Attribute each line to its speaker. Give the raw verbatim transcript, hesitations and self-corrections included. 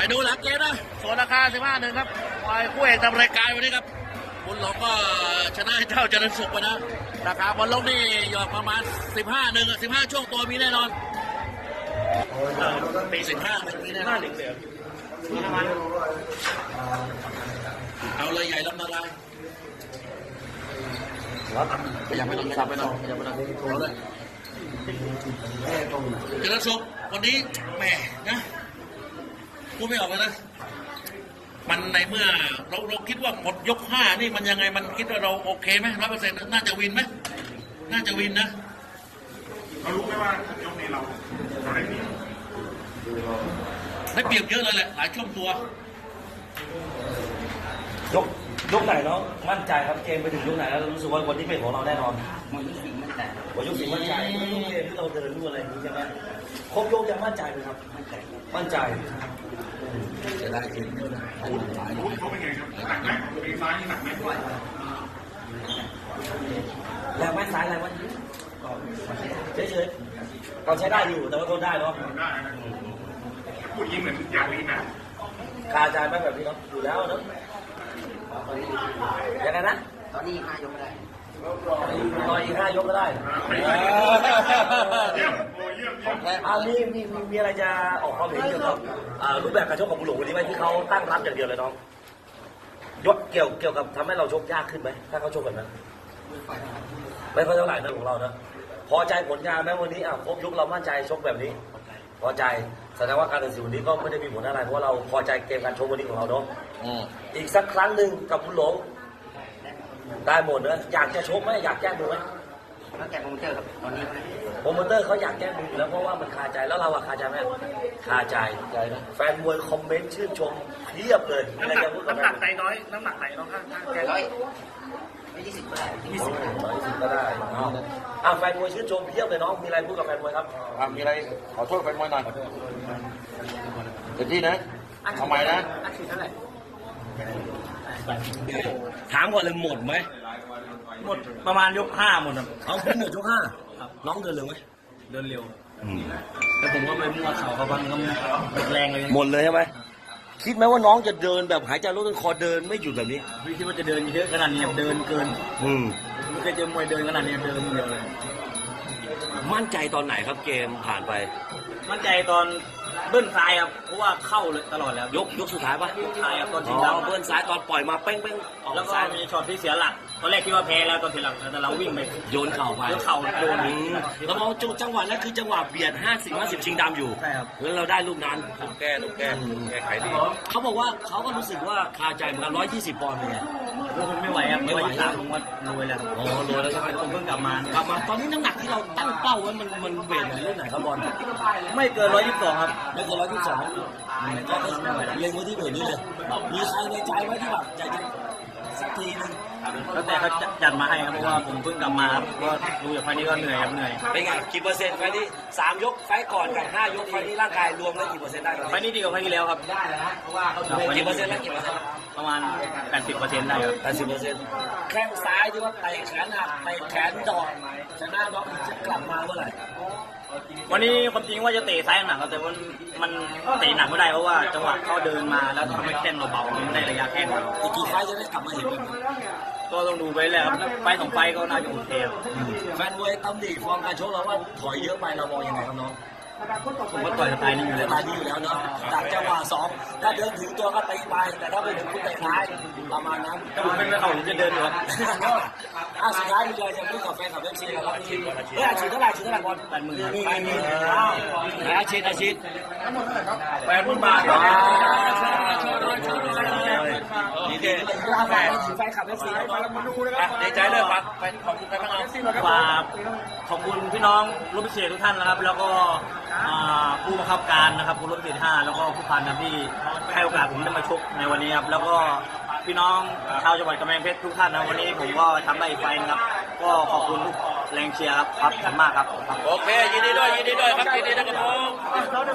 Speaker 1: ดูหลังเกมนะส่วนราคาสิบห้าหนึ่งครับฝ่ายคู่เอกทำรายการวันนี้ครับคุณหลงก็ชนะเจ้าเจริญสุขไปนะราคาบอลลงนี่หยอดประมาณสิบห้าหนึ่งสิบห้าช่วงตัวมีแน่นอนปีสิบห้ามีแน่นอนเอาเลยใหญ่ลำนาลายพยายามไปนอนพยายามไปนอนพยายามไปนอนเอาเลยเจริญสุขวันนี้แหมนะพูดไม่ออกเลยนะมันในเมื่อเราเราคิดว่าหมดยกห้านี่มันยังไงมันคิดว่าเราโอเคไหมร้อยเปอร์เซ็นต์น่าจะวินไหมน่าจะวินนะ
Speaker 2: เรารู้ไหมว่ายกนี้เราเราได้เปรียบ
Speaker 1: ได้เปรียบเยอะเลยแหละหลายช่วงตัวย
Speaker 3: กยกไหนเนาะมั่นใจครับเกมไปถึงยกไหนแล้วรู้สึกว่าวันนี้เป็นของเราแน่นอน
Speaker 4: หมดยุคสี่มั่นใจ
Speaker 3: หมดยกสี่มั่นใจไม่รู้เกมที่เราเดินรู้อะไรอย่างนี้ใช่ไหมครบยกยังมั่นใจไหมครับมั่นใจมั่นใจ
Speaker 1: จะได้เห็นเยอะนะอันนี้หลาย
Speaker 2: เขาเป็นไงครับหนักไหมปีซ้ายนี่หนักไหม
Speaker 3: แรงไหมซ้ายแรงไหมเฉยๆเราใช้ได้อยู่แต่ว่าทนได้เนาะ
Speaker 2: ได้พูดยิ้มเหมือนอยากลีนนะ
Speaker 3: คาใจไหมแบบนี้เนาะอยู่แล้วเนาะยังไงนะ
Speaker 4: ตอนนี้ห้ายกไม่ได้
Speaker 3: รออีกห้ายกก็ได้
Speaker 2: เยี่ยมโอ้เยี่ยมเยี่ยม
Speaker 3: อ่ามีมีมีอะไรจะออกความเห็นเกี่ยวกับรูปแบบการชกของบุหลงวันนี้ไหมที่เขาตั้งรับอย่างเดียวเลยน้องยกเกี่ยวเกี่ยวกับทำให้เราชกยากขึ้นไหมถ้าเขาชกแบบนั้นไม่ค่อยเท่าไหร่นะของเรานะพอใจผลงานไหมวันนี้อ่ะครบยกเรามั่นใจชกแบบนี้พอใจแสดงว่าการตัดสินวันนี้ก็ไม่ได้มีผลอะไรเพราะเราพอใจเกมการชกวันนี้ของเราเนาะอีกสักครั้งหนึ่งกับบุหลงได้หมดนะอยากจะชกไหมอยากแก้มือไหม
Speaker 4: แล้วแต่โปรโมเตอร์ครับตอนนี้
Speaker 3: โปรโมเตอร์เขาอยากแก้มืออยู่แล้วเพราะว่ามันคาใจแล้วเราอะคาใจไหมคาใจใจนะแฟนมวยคอมเมนต์ชื่นชมเพียบเลยอะไรจะพูดกับ
Speaker 5: น้ำหนักใจน้อยน้ำหนักไหนน้องข้าง
Speaker 4: แกร้อยไม่ยี่สิบก็ได้
Speaker 3: ยี่สิบร้อยสิบก็ได้อ่าแฟนมวยชื่นชมเพียบเลยน้องมีอะไรพูดกับแฟนมวยครับ
Speaker 1: อ่ามีอะไรขอโทษแฟนมวยหน่อยเต็มที่นะทำไมนะ
Speaker 4: อัดฉีดเท่าไหร่
Speaker 3: ถามก่อนเลยหมดไหม
Speaker 5: หมดประมาณยกห้าหมดครับ
Speaker 3: เอาพี่หมดยกห้าน้องเดินเร็วไหม
Speaker 5: เดินเร็วแต่ผมก็ไปมั่วเข่าเขาบ้างก็หมดแรงเลย
Speaker 3: หมดเลยใช่ไหมคิดไหมว่าน้องจะเดินแบบหายใจรถต้นคอเดินไม่หยุดแบบนี้
Speaker 5: ไม่คิดว่าจะเดินเยอะขนาดนี้เดินเกิน
Speaker 3: อืม
Speaker 5: ไม่เคยเจอมวยเดินขนาดนี้เดินเดียวเลย
Speaker 3: มั่นใจตอนไหนครับเกมผ่านไป
Speaker 5: มั่นใจตอนเบิ้ลซ้ายครับเพราะว่าเข้าเลยตลอดแล้ว
Speaker 3: ยกยกสุดท้ายปะ
Speaker 5: ยกท้ายครับตอนที่
Speaker 3: ดาวเบิ้ลซ้ายตอนปล่อยมาเป้งเป้ง
Speaker 5: แล้วก็มีช็อตที่เสียหลักตอนแรกคิดว่าแพ้แล้วตอนทีหลังแต่เราวิ่งไป
Speaker 3: โยนเข่าไป
Speaker 5: โยนเข่าโดน
Speaker 3: แล้วมองจังหวะนั้นคือจังหวะเบียดห้าสิบห้าสิบชิงดำอยู่
Speaker 5: ใช่ครับ
Speaker 3: แล้วเราได้ลูกนั้นลูกแก้ลูกแก้แก้ไขดีเขาบอกว่าเขาก็รู้สึกว่าคาใจเหมือนกันร้อยยี่สิบปอนด์เป็นไง
Speaker 5: ผมไม่ไหวครับไม่ไหวตามผมว่ารวยแล้ว
Speaker 3: อ๋อรวยแล้วใช่ไหม
Speaker 5: ผมเพิ่งกลับมาก
Speaker 3: ลับมาตอนนี้น้ำหนักที่เราตั้งเป้าไว้มันมันเวทไหนเรื่องไหนครับบอล
Speaker 5: ไม่เกินร้อยยี่สิบสองครับ
Speaker 3: ไม่เกินร้อยยี่สิบสองก็เล็งไว้ที่เวทนี้เลยมีใครในใจไว้ที่แบบใจจะสักทีนึง
Speaker 5: แล้วแต่เขาจัดมาให้ครับเพราะว่าผมเพิ่งกลับมาครับก็ดูจากไฟนี้ก็เหนื่อยครับเหนื่อย
Speaker 3: เป็นไงกี่เปอร์เซ็นต์ไฟนี้สามยกไฟก่อนกับห้ายกไฟนี้ร่างกายรวมแล้วกี่เปอร์เซ็นต์ได้
Speaker 5: ไฟนี้ดีกว่าไฟที่แล้วครับ
Speaker 4: ได้แล้วเพราะว่าเขา
Speaker 3: กี่เปอร์เซ็นต์แล้วกี่เปอร์เซ็นต์
Speaker 5: ประมาณแปดสิบเปอร์เซ็นต์ได้ครับ
Speaker 3: แปดสิบเปอร์เซ็นต์แข้งซ้ายที่ว่าเตะแขนหักเตะแขนดอกชนะน็อกจะกลับมาเมื่อไหร่
Speaker 5: วันนี้ความจริงว่าจะเตะซ้ายหนักแต่มันมันเตะหนักไม่ได้เพราะว่าจังหวะเขาเดินมาแล้วทำให้แข้งเราเบาไม่ได้ระยะแข้ง
Speaker 3: อีกกี่ไฟจะได้กลับมาเห็นกัน
Speaker 5: ก็ต้องดูไปแล้วไฟสองไฟก็น่าจะโอเค
Speaker 3: แฟนมวยตำหนิฟอร์มการชกเราว่าถอยเยอะไปเรามองยังไงครับน้อง
Speaker 5: ผมก็ต่อยสไตล์นี้อยู่แล้ว
Speaker 3: สไตล์นี้อยู่แล้วเนาะจากจังหวะสองถ้าเดินถึงตัวก็ตีไปแต่ถ้าไปถึงคุณเตะท้ายประมาณนั้น
Speaker 5: ถ้าผมเป็นไม่เขาผมจะเดินอยู่ครับ
Speaker 3: อ่ะสุดท้ายมีอะไรจะพูดกับแฟนกับเอฟซีครับเฮ้ยอาชีพเท่าไหร่อาชีพเท่าไหร่บอล
Speaker 5: แปดหมื่น
Speaker 3: แปดหมื่นอ้าวอาชีพอาชีพ
Speaker 5: แปดหมื่นบาท
Speaker 3: นี่เด็กแฟนแฟนขับเอฟซีมาดูเลยครับดีใจเลยครับแฟนขอบคุณแฟนมาก
Speaker 5: ฝากขอบคุณพี่น้องรุ่นพิเศษทุกท่านนะครับแล้วก็ผู้บังคับการนะครับผู้รุ่นพิเศษห้าแล้วก็ผู้พันนะที่ให้โอกาสผมได้มาชกในวันนี้ครับแล้วก็พี่น้องชาวจังหวัดกำแพงเพชรทุกท่านนะวันนี้ผมก็ทำได้อีกไฟนะครับก็ขอบคุณทุกแรงเชียร์ครับครับขอบคุณมากครับ
Speaker 1: โอเคยินดีด้วยยินดีด้วยครับยินดีด้วยครับผม